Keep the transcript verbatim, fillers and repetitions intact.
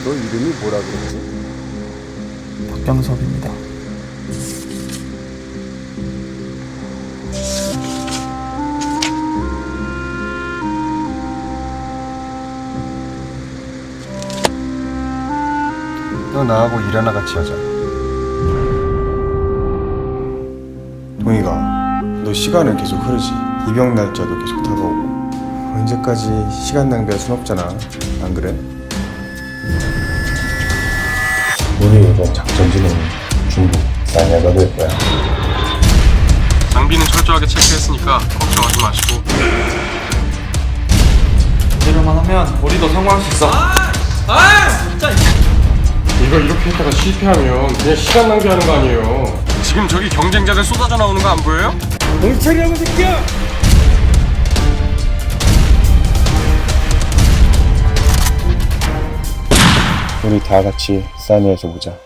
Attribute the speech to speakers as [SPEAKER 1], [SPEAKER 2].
[SPEAKER 1] 너 이름이 뭐라 그랬지?
[SPEAKER 2] 박경섭입니다.
[SPEAKER 1] 너 나하고 일 하나 같이 하자. 동희가, 너 시간은 계속 흐르지. 입영 날짜도 계속 다가오고. 언제까지 시간 낭비할 순 없잖아. 안 그래? 우리 이번 작전지는 중국 사냐가 될 거야.
[SPEAKER 3] 장비는 철저하게 체크했으니까 걱정하지 마시고.
[SPEAKER 2] 이대로만 하면 우리도 성공할 수 있어.
[SPEAKER 3] 이거 이렇게 했다가 실패하면 그냥 시간 낭비하는 거 아니에요. 지금 저기 경쟁자들 쏟아져 나오는 거 안 보여요?
[SPEAKER 2] 멍청이라고 새끼야!
[SPEAKER 1] 우리 다 같이 사니에서 보자.